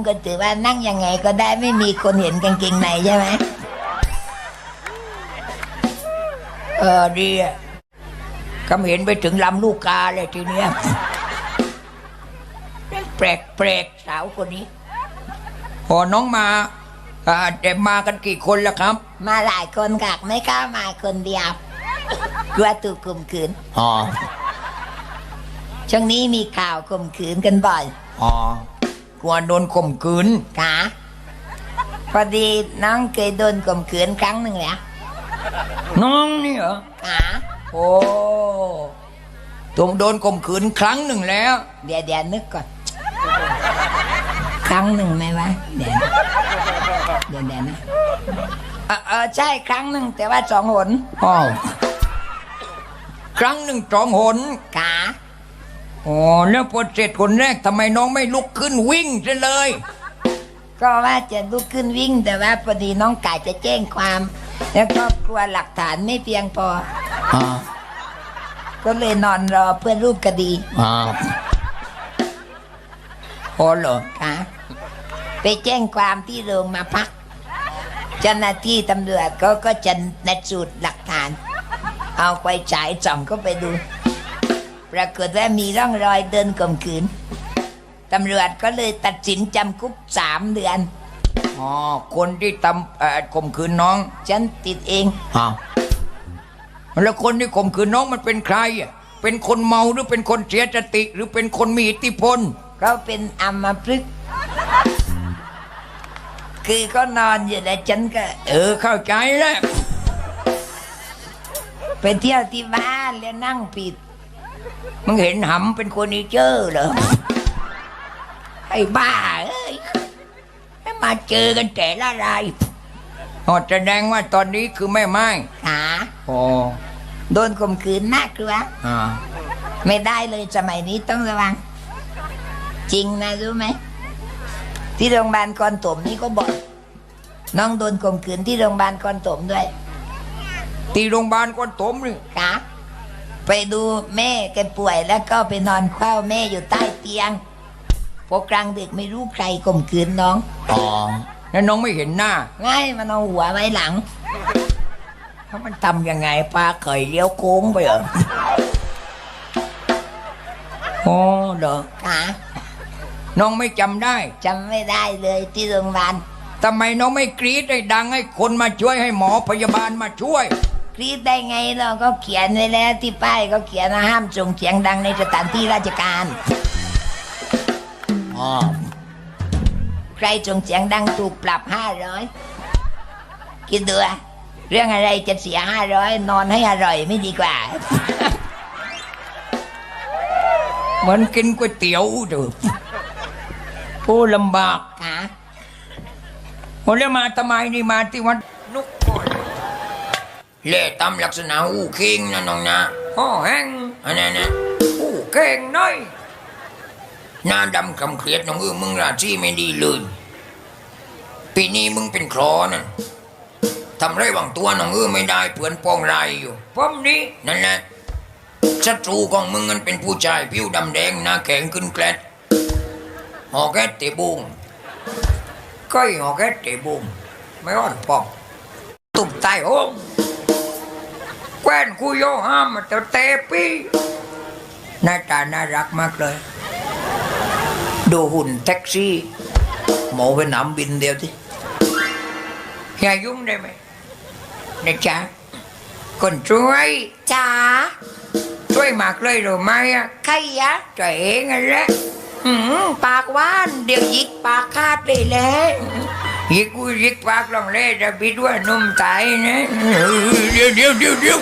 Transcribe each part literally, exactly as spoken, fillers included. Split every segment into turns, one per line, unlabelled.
ก็ถือว่านั่งยังไงก็ได้ไม่มีคนเห็นกางเกงในใช่ไหมเออดีอะคำเห็นไปถึงลำลูกกาเลยทีเนี้ยแปลกแปลกสาวคนนี้พอน้องมาอ่าแต่มากันกี่คนแล้วครับมาหลายคนค่ะไม่กล้ามาคนเดียวกลัวถูกข่มขืนอ๋อช่วงนี้มีข่าวข่มขืนกันบ่อยอ๋อกลัวโดนข่มขืนค่ะพอดีน้องเคยโดนข่มขืนครั้งหนึ่งแล้วน้องนี่เหรอค่ะโอ้ผมโดนข่มขืนครั้งหนึ่งแล้วเดี๋ยวเดี๋ยวนึกก่อนครั้งหนึ่งไหมวะเดี๋ยวเดี๋ยวเดี๋ยวนะเออเออใช่ครั้งหนึ่งแต่ว่าสองหนอ๋อครั้งหนึ่งสองหนค่ะอ๋อแล้วพอเสร็จคนแรกทำไมน้องไม่ลุกขึ้นวิ่งซะเลยก็ว่าจะลุกขึ้นวิ่งแต่ว่าพอดีน้องกายจะแจ้งความแล้วก็กลัวหลักฐานไม่เพียงพออ๋อก็เลยนอนรอเพื่อรูปคดีอ๋อโอ้เหรอคะไปแจ้งความที่โรงมาพักเจ้าหน้าที่ตำรวจก็ก็จะนัดสูตรหลักฐานเอาไปฉายส่องก็ไปดูปรากฏว่ามีร่องรอยเดินข่มขืนตำรวจก็เลยตัดสินจำคุกสามเดือนอ๋อคนที่ทำข่มขืนน้องฉันติดเองอ๋อแล้วคนที่ข่มขืนน้องมันเป็นใครอ่ะเป็นคนเมาหรือเป็นคนเสียสติหรือเป็นคนมีอิทธิพลเขาเป็นอัมพฤกษ์คือก็นอนอยู่แล้วฉันก็เออเข้าใจแล้วไปเที่ยวที่บ้านแล้วนั่งผิดมึงเห็นหำเป็นคนนี้เจอเหรอไอ้บ้าเอ้ยมาเจอกันแต่ละรายอ๋อแสดงว่าตอนนี้คือแม่ไม้ขาอ๋อโดนข่มขืนน่ากลัวอ่าไม่ได้เลยสมัยนี้ต้องระวังจริงนะรู้ไหมที่โรงพยาบาลคอนถมนี่ก็บอกน้องโดนข่มขืนที่โรงพยาบาลคอนถมด้วยที่โรงพยาบาลคอนถมนี่ค่ะไปดูแม่แกป่วยแล้วก็ไปนอนเฝ้าแม่อยู่ใต้เตียงพอกลางดึกไม่รู้ใครข่มขืนน้องอ๋อแล้วน้องไม่เห็นหน้าง่ายมันเอาหัวไว้หลังถ้ามันทำยังไงปลาเคยเลี้ยวโค้งไปเหรอโอ้เหรอค่ะน้องไม่จำได้จำไม่ได้เลยที่โรงพยาบาลทำไมน้องไม่กรี๊ดให้ดังให้คนมาช่วยให้หมอพยาบาลมาช่วยกรี๊ดได้ไงเราก็เขียนไว้แล้วที่ป้ายก็เขียนห้ามส่งเสียงดังในสถานที่ราชการอ๋อใครส่งเสียงดังถูกปรับห้าร้อยคิดดูเรื่องอะไรจะเสียห้าร้อยนอนให้อร่อยไม่ดีกว่าเหมือนกินก๋วยเตี๋ยวดูผู้ลำบากค่ะผมจะมาทำไมนี่มาที่วัดนุกก่อนเล่ตำลักษณะอู้เข่งนะน้องนะห่อแห้งอันนั้นนะอู้เข่งน้อยหน้าดำคำเครียดน้องเออมึงราชีไม่ดีเลยปีนี้มึงเป็นครอนะทำไรบางตัวน้องเออไม่ได้เพื่อนป้องไรอยู่ป้อมนี้นั่นแหละศัตรูของมึงมันเป็นผู้ชายผิวดำแดงหน้าแข็งขึ้นแกลดหอแกตเตบุงก้อยหอแกตเตบุงไม่รอดปอกตุ่มใต้ห้องแคว้นคุยโยห้ามมาเตะปีหน้าตาน่ารักมากเลยดูหุ่นแท็กซี่หมอไปหนำบินเดียวที่อย่ายุ่งได้ไหมนะจ๊ะคนช่วยจ้าช่วยมากเลยหรือไม่อะใครยะตัวเองอะแหละหืมปากว่านเดี๋ยวยิกปากคาดเลยแหละยิกกูยิกปากลองเล่จะบิดว่านุ่มตายนะเดี๋ยวเดี๋ยวเดี๋ยวเดี๋ยว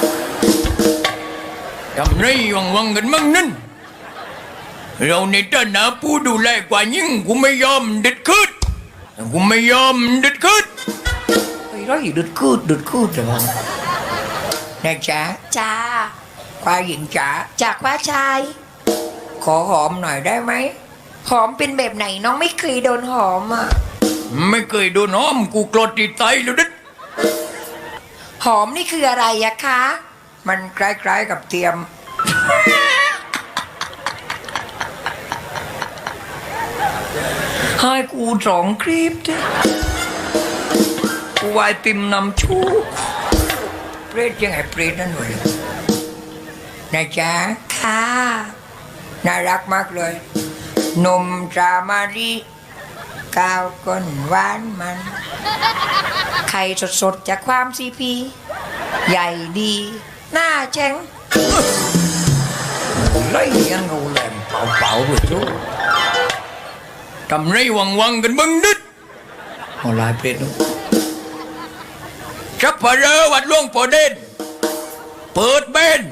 ทำไรวังวังกันมั่งนั่นเราในฐานะผู้ดูแลกว่ายิ่งกูไม่ยอมเด็ดคืดกูไม่ยอมเด็ดคืดไอ้ไรเด็ดคืดเด็ดคืดเหรอนะจ๊ะจ้าควายหญิงจ๋าจากว่าชายขอหอมหน่อยได้ไหมหอมเป็นแบบไหนน้องไม่เคยโดนหอมอ่ะไม่เคยโดนหอมกูกรดติดใจแล้วดิหอมนี่คืออะไรอะคะมันคล้ายๆกับเทียมให้กูสองคลิปเถอะกูวายปิมนำชูเปรตยังไงเปรตนั่นเลยนะจ๊ะค่ะน่ารักมากเลยนมจามารีกาวก้นหวานมันไข่สดๆจากความซีพีใหญ่ดีหน้าแจ้งlấy ăn ngủ làm bạo bạo rồi chú cầm rây quăng quăng gần bưng đít họ lại biết đâu chấp vào rơวัดล่วงปอเด่นเปิดเบน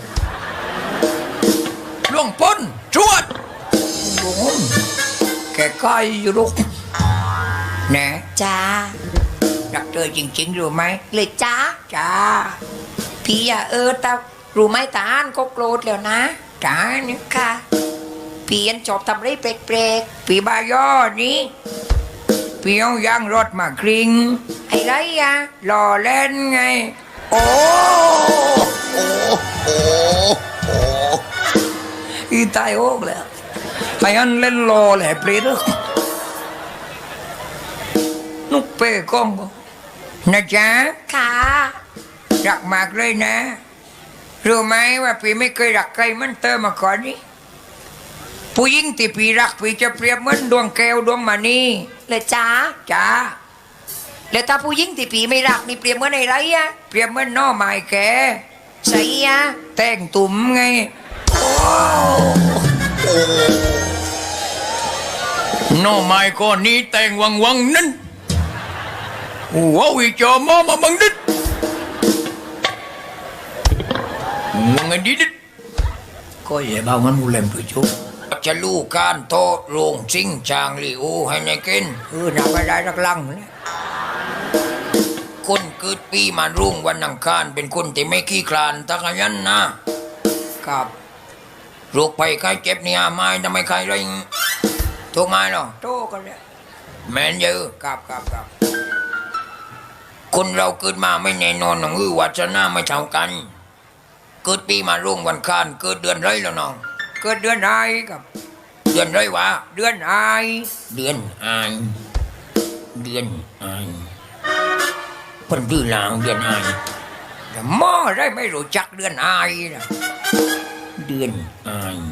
ล่วงพ้นชวดโอ้แกก้อยอยู่ลูกแน่จ้ารักเธอจริงๆรู้ไหมเลยจ้าจ้าพี่อะเออตารู้ไหมตาอันก็โกรธแล้วนะจ้านี่ค่ะพี่อันชอบทำไรเปรกๆพี่บายอนี้พี่เอายางรถมากริงไอ้ไรอะหล่อเล่นไงโอ้โอ้โอ้โอ้อีตายโอ๊กแล้วไอ้อันเล่นหล่อแหละเปรตนุกเป้ก้องนะจ๊ะค่ะรักมากเลยนะรู้ไหมว่าพี่ไม่เคยรักใครมันเตอมาก่อนนี่ผู้หญิงที่พี่รักพี่จะเปรียบเหมือนดวงแก้วดวงมณีเลยจ้าจ้าแล้วถ้าผู้หญิงที่พี่ไม่รักนี่เปรียบเหมือนอะไรอะเปรียบเหมือนน้อไม้แก่ใส่อะแต่งตุ่มไงโอ้น้อไม้ก้อนนี้แต่งวังวังนั้นว้าวอีจอมอมาบังดิดมึงไงดิดก็อย่าบ้ามันกูเล่มตัวจุกจะลู่การโตโรงซิงจางลีโอให้ในกินเออหนักไม่ได้รักลังเลยคนเกิดปีมารุ่งวันอังคารเป็นคนที่ไม่ขี้คลานตะขยันนะครับโรคภัยไข้เจ็บเนี่ยไม่ทำไมใครไรทุกไม้หรอโตกันเลยแมนเยอะกับกับกับคนเราเกิดมาไม่แน่นอนน้องอือวัชนาไม่เท่ากันเกิดปีมารุ่งวันคานเกิดเดือนไรแล้วน้องเกิดเดือนไอกับเดือนไรวะเดือนไอเดือนไอเดือนไอเพิ่นดื้อลางเดือนไอแต่หม้อได้ไม่รู้จักเดือนไอนะเดือนไอ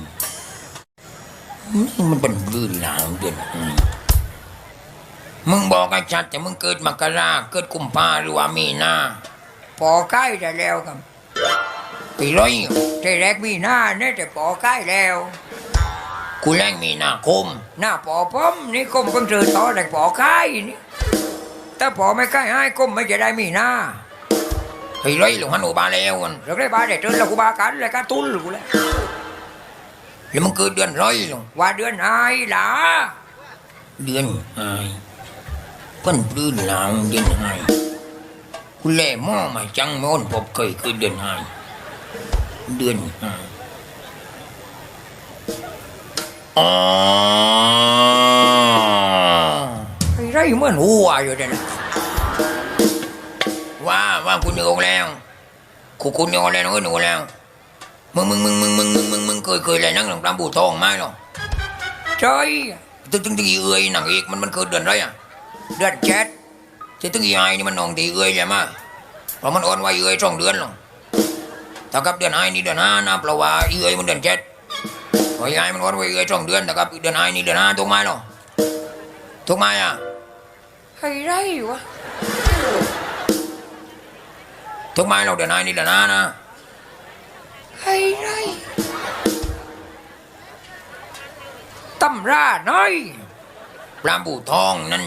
นี่มันเป็นดื้อลางเดือนไอมึงบอกไอ้ชัดแต่มึงเกิดมกราเกิดกุมภาหรือว่ามีนาปอใกล้ได้แล้วครับปีร้อยแต่แรกมีนาเนี่ยแต่ปอใกล้แล้วกูแรงมีนาคมหน้าปอป้อมนี่คมเพิ่งเจอต่อแต่ปอใกล้นี่ถ้าปอไม่ใกล้ให้คมไม่จะได้มีนาปีร้อยหลวงฮันโอบาแล้วกันเราได้บาเด็ดเจอแล้วกูบากันเลยกันตุ้นกูแล้วแล้วมึงเกิดเดือนร้อยหลวงว่าเดือนไอ้หล่ะเดือนไอ้เพิ่นปลื้นหลังเดือนไห้คุณแล่หม้อมาจังโม่นพบเคยคือเดือนไห้เดือนไห้อ๋อไอ้ไรเหมือนหัวอยู่เด่นว่าว่าคุณโยงแล้วคุณคุณโยงแล้วเออหนูแล้วมึงมึงมึงมึงมึงมึงมึงมึงเคยเคยอะไรนั่งหลังตามบูทองไหมหรอใช่ตึ้งตึ้งตึ้งเอ้ยหนังอีกมันมันเกิดเดือนไรอ่ะเดือนเจ็ดที่ตึงยายนี่มันนองตีเอ้ยใช่ไหมเพราะมันอ่อนไว้เอ้ยสองเดือนหรอกแต่กับเดือนไอ้นี่เดือนห้านะเพราะว่าเอ้ยมันเดือนเจ็ดเพราะยายมันอ่อนไว้เอ้ยสองเดือนแต่กับเดือนไอ้นี่เดือนห้าถูกไหมหรอถูกไหมอ่ะให้ไรวะถูกไหมเราเดือนไอ้นี่เดือนห้านะให้ไรตำราน้อยปลาบูทองนั่น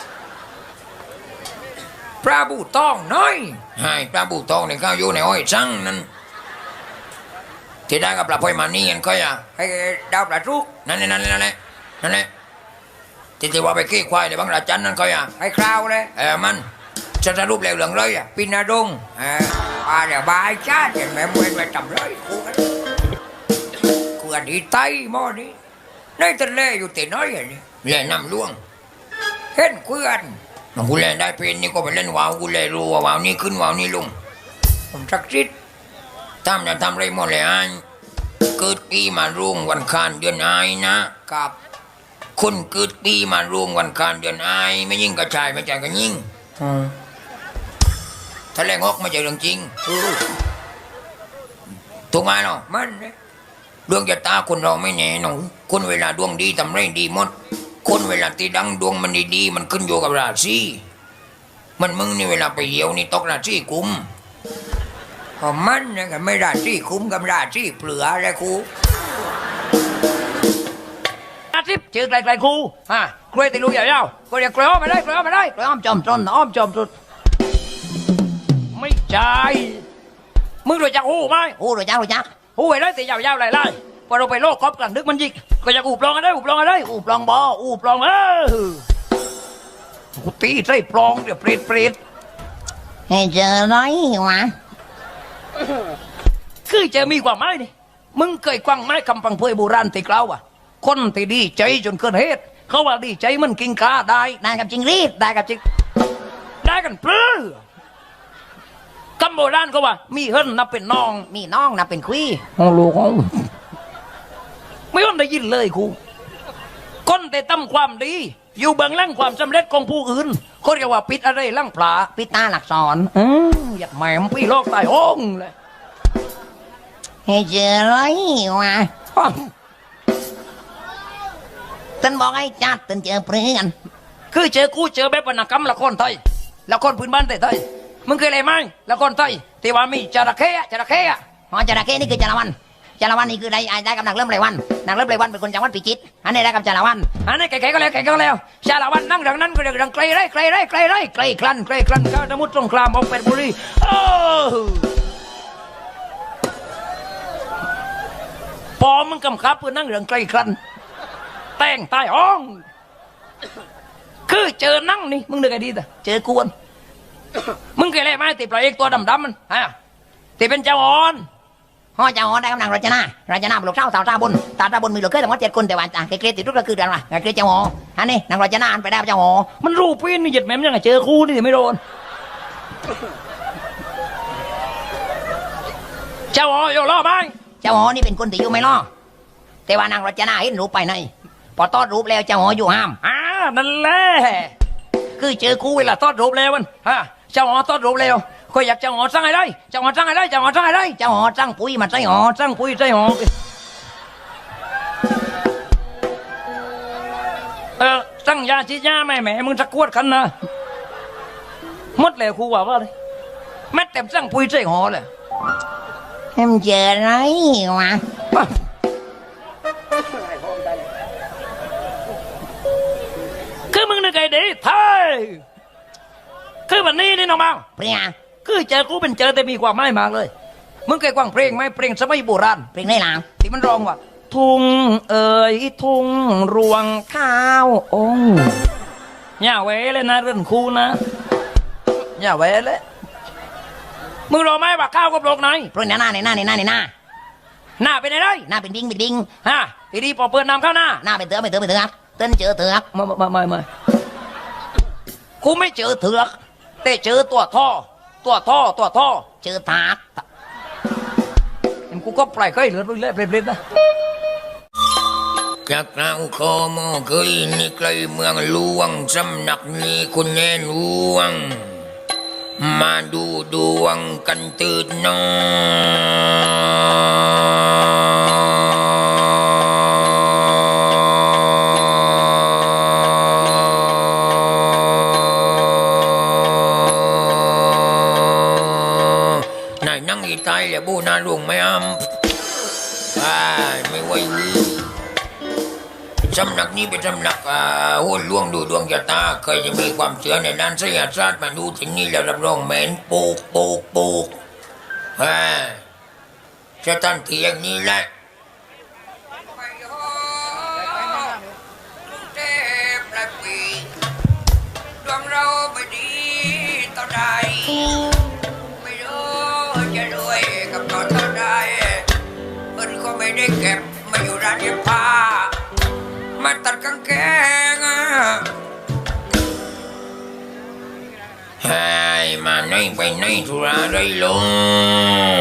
ปลาบูทองน้อยให้ปลาบูทองในข้าวอยู่ในอ้อยจังนั่นที่ได้กับปลาพอยมานี่กันก็อย่าให้ดาวปลาทุกนั่นนั่นนั่นแหละนั่นแหละที่ที่ว่าไปขี้ควายในบางราจันนั่นก็อย่าให้คราวเลยเออมันจะสรุปแล้วเหลืองเลยอ่ะปินาดงเอออ่าเดี๋ยวบายชาติเห็นไหมมวยไปจำเลยกูกันกูอันนี้ไตหม้อนี้ในทะเลอยู่แต่น้อยอย่างนี้เล่นน้ำล่วงเห็นเพื่อนน้องกูเล่นได้เป็นนี่ก็ไปเล่นว่าวกูเล่นรู้ว่าว่าวนี่ขึ้นว่าวนี่ลงผมสักชิดทำจะทำไรหมดเลยอันเกิดปีมารุ่งวันคานเดือนไอนะกับคนเกิดปีมารวมวันคานเดือนอายไม่ยิ่งกระชายไม่ใจกันยิ่งถ้าแรงออกไม่ใช่เรื่องจริงถูกไหมเนาะมันดวงชะตาคนเราไม่แน่นอนคนเวลาดวงดีทำไรดีหมดคนเวลาที่ดังดวงมันดีๆมันขึ้นอยู่กับราศีมันมึงนี่เวลาไปเหี่ยวนี่ตกราศีกุมพอมันเนี่ยก็ไม่ราศีคุ้มกับราศีเปลือเลยครูอาทิตย์เจอไกลๆครูฮะกล้วยตีลูกใหญ่ๆก็เรียกกล้วยอ้อมมาได้กล้วยอ้อมมาได้กล้วยอ้อมจอมต้นอ้อมจอมต้นไม่ใช่มึงรู้จักหูไหมหูรู้จักรู้จักหูไอ้ได้ตียาวๆไล่ๆพอเราไปโลกครอบกลางดึกมันยิกก็จะอูบลองกันได้อูบลองกันได้อูบลองบออูบลองเออกูตีใส่ปลองเดี๋ยวเปรตเปรตให้เจอไรวะคือเจอมีความหมายนี่มึงเคยกว้างไม้คำฟังเพยโบราณตีกล่าวอ่ะคนที่ดีใจจนเกินเหตุเขาว่าดีใจมันกินกาได้ได้กับจริงรีดได้กับจริงได้กันเปลือคำโบราณเขาว่ามีเฮิรนนับเป็นน้องมีน้องนับเป็นคุยห้องลูกห้องไม่ต้องได้ยินเลยครูคนแต่ตั้มความดีอยู่เบื้องหลังความสำเร็จของผู้อื่นเขาเรียกว่าปิดอะไรล่างปลาปิดตาหลักสอนอืมอยากแหมมพี่โลกตายห้องเลยให้เจอไรวะตันบอกให้จัดตันเจอเพื่อนคือเจอกูเจอแบบวรรณกรรมละครไทยละครพื้นบ้านไทยมึงเคยอะไรไหมละครไทยที่ว่ามีจระเข้จระเข้อ๋อจระเข้นี่คือจระวันจระวันนี่คือได้ได้กับนางเริ่มไรวันนางเริ่มไรวันเป็นคนจังหวัดพิจิตรอันนี้ได้กับจระวันอันนี้แก่ๆก็แล้วแก่ๆก็แล้วจระวันนั่งดังนั้นก็เรื่องไกลไรไกลไรไกลไรไกลคลันไกลคลันข้าสมุทรสงครามออกเป็ดบุรีโอ้พอมึงกำคับเพื่อนั่งเรื่องไกลคลันแต่งตายห้องคือเจอนั่งนี่มึงนึกไงดีแต่เจอกวนมึงเคยเล่นไหมติดปลาเอกตัวดำๆมันฮะติดเป็นเจ้าอ่อนพ่อเจ้าอ่อนได้กำลังรัชนารัชนาบุกเช้าสาวตาบนตาตาบนมีเหลือแค่ทั้งหมดเจ็ดคนแต่ว่าจ่าเกลียดติดทุกข์ก็คือเดือนละเกลียดเจ้าอ่อนอันนี้นางรัชนาอันไปได้เจ้าอ่อนมันรูปพี่นี่หยุดแม่มยังไงเจอคู่นี่ไม่โดนเจ้าอ่อนอยู่รอไหมเจ้าอ่อนนี่เป็นคนที่อยู่ไม่รอแต่ว่านางรัชนาเห็นรูปไปในพอตอดรูปแล้วเจ้าอ๋ออยู่ห้ามอ่านั่นแหละคือเจอคู่เวลาตอดรูปแล้วมันฮะเจ้าอ๋อตอดรูปแล้วก็อยากเจ้าอ๋อสร้างอะไรเจ้าอ๋อสร้างอะไรเจ้าอ๋อสร้างอะไรเจ้าอ๋อสร้างปุ๋ยมาใส่อ๋อสร้างปุ๋ยใส่อ๋อเออสร้างยาชีดยาแม่แม่มึงจะกวดกันนะหมดแล้วครูว่าว่าเลยแม่เต็มสร้างปุ๋ยใส่อ๋อเลยเอ็มเจออะไรวะคือมึงนึกไงดีเท่คือวันนี้นี่น้องมังเพลงคือเจอกูเป็นเจอแต่มีความหมายมากเลยมึงเคยฟังเพลงไหมเพลงสมัยโบราณเพลงในหลังที่มันร้องว่าทุ่งเอ๋ยทุ่งรวงข้าวองอย่าเว้เลยนะเรื่องคูนะอย่าเว้เลยมึงรู้ไหมว่าข้าวกับโลกไหนเพราะหน้าหน้าในหน้าในหน้าในหน้าหน้าเป็นอะไรหน้าเป็นดิ้งเป็นดิ้งฮะทีนี้พอเปิดน้ำเข้าหน้าหน้าเป็นเถือกเป็นเถือกเป็นเถือกเต้นเจอเถือกไม่ไม่ไม่ไม่กูไม่เจอเถือกแต่เจอตัวท่อตัวท่อตัวท่อเจอถากเห็นกูก็ปล่อยเคยเหลือไปเรื่อยเปลี่ยนนะจากเราขอมอเคยนี่ใกล้เมืองหลวงสำนักนี้คุณแน่หลวงมาดูดวงกันตื่นนอนายนั่งอีตายแล้วบูนาหลวงไม่อ้ำไม่ไหวสำนักนี้เป็นสำนักโหนหลวงดูดวงชะตาเคยจะมีความเชื่อในด้านไสยศาสตร์มาดูที่นี่แล้วรับรองแม่นปูกปูกปูกจะตั้งที่อย่างนี้แหละดวงเราไม่ดีต่อใดไม่รู้จะรวยกับต่อเท่าใดมันก็ไม่ได้เก็บมาอยู่ร้านเย็บผ้ามาตัดกางเกงให้มาไหนไปไหนธุระได้ลง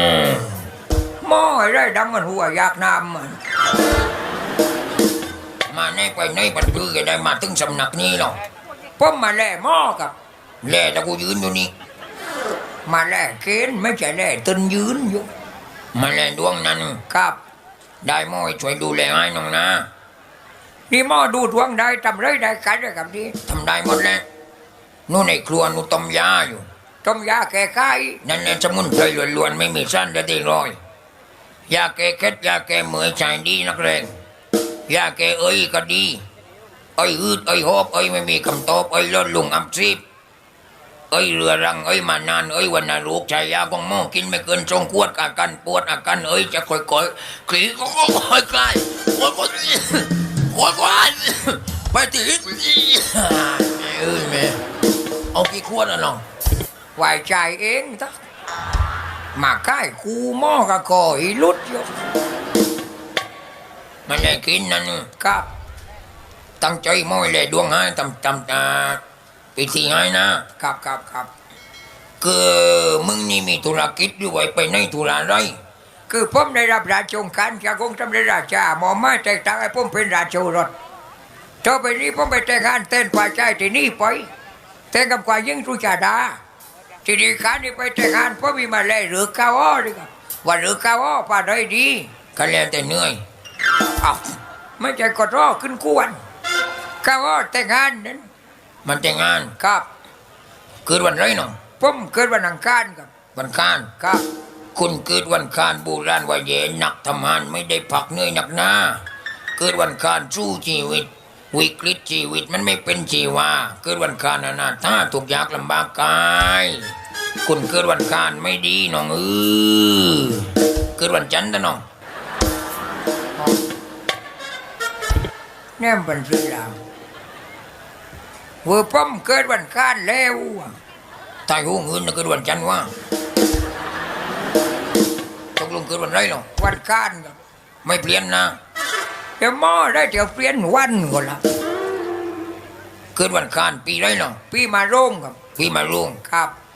มอให้ได้ดังมันหัวอยากนำมันมาในไปในบันทึกได้มาถึงสำนักนี้หรอกผมมาแล่หม้อกับแล่แล้วกูยืนอยู่นี่มาแล่เกณฑ์ไม่ใช่แล่ตึนยืนอยู่มาแล่ดวงนั้นครับได้หม้อช่วยดูแลให้น้องนะนี่หม้อดูดวงได้ทำไรได้กันได้กับที่ทำได้หมดแล้วนู่นในครัวนู่นต้มยาอยู่ต้มยาแก้ไข้นั่นแหละสมุนไพรล้วนๆไม่มีสั้นจะได้รอยยาแก้เคล็ดยาแก้เหมื่อยใจดีนักแรงยาแก้เอ้ยก็ดีเอ้ยอืดเอ้ยหอบเอ้ยไม่มีคำตอบเอ้ยลดลุงอับซีบเอ้ยเรือรังเอ้ยมานานเอ้ยวันนาลูกชายยาของหม้อกินไม่เกินสองขวดอาการปวดอาการเอ้ยจะค่อยๆขีก็ค่อยๆคลายค่อยๆค่อยๆไปตีเอ้ยแม่เอากี่ขวดอ่ะน้องไหวใจเองทักมาใกล้คูหม้อก็ก่อยลุดอยู่มันได้กินนั่นครับตั้งใจม้อยเลยดวงให้ทำทำอ่าปีที่ให้นะครับครับครับคือมึงนี่มีธุรกิจด้วยไปในธุระไรคือผมได้รับราชองการจากองค์สมเด็จราชาหมอมาแต่งตั้งให้ผมเป็นราชโอรสต่อไปนี้ผมไปแต่งงานเต้นฝ่ายชายที่นี่ไปแต่งกับฝ่ายหญิงสุชาดาทีนี้การนี้ไปแต่งงานผมมีมาเลยหรือกาวอ้อดีครับว่าหรือกาวอ้อป่าได้ดีก็แล้วแต่เหนื่อยอ้าวไม่ใช่กดรอขึ้นกวนกาวอ้อแต่งงานนั้นมันแต่งงานครับเกิดวันไรน้องผมเกิดวันอังคารครับวันอังคารครับคุณเกิดวันอังคารโบราณว่าเย็นหนักทำงานไม่ได้พักเหนื่อยหนักหน้าเกิดวันอังคารสู้ชีวิตวิกฤตชีวิตมันไม่เป็นชีวาเกิดวันอังคารอนาถาทุกยากลำบากกายคุณเกิดวันอังคารไม่ดีน้องเออเกิดวันจันทร์นะน้องแนมเป็นชื่อเราเวอร์ป้อมเกิดวันคานแล้วตายหูเงินนะเกิดวันจันทร์ว่าตกลงเกิดวันไรหรอวันคานครับไม่เปลี่ยนนะเดี๋ยวหม้อได้เดี๋ยวเปลี่ยนวันก่อนละเกิดวันคานปีไรหรอปีมาโรงครับปีมาโรงครับ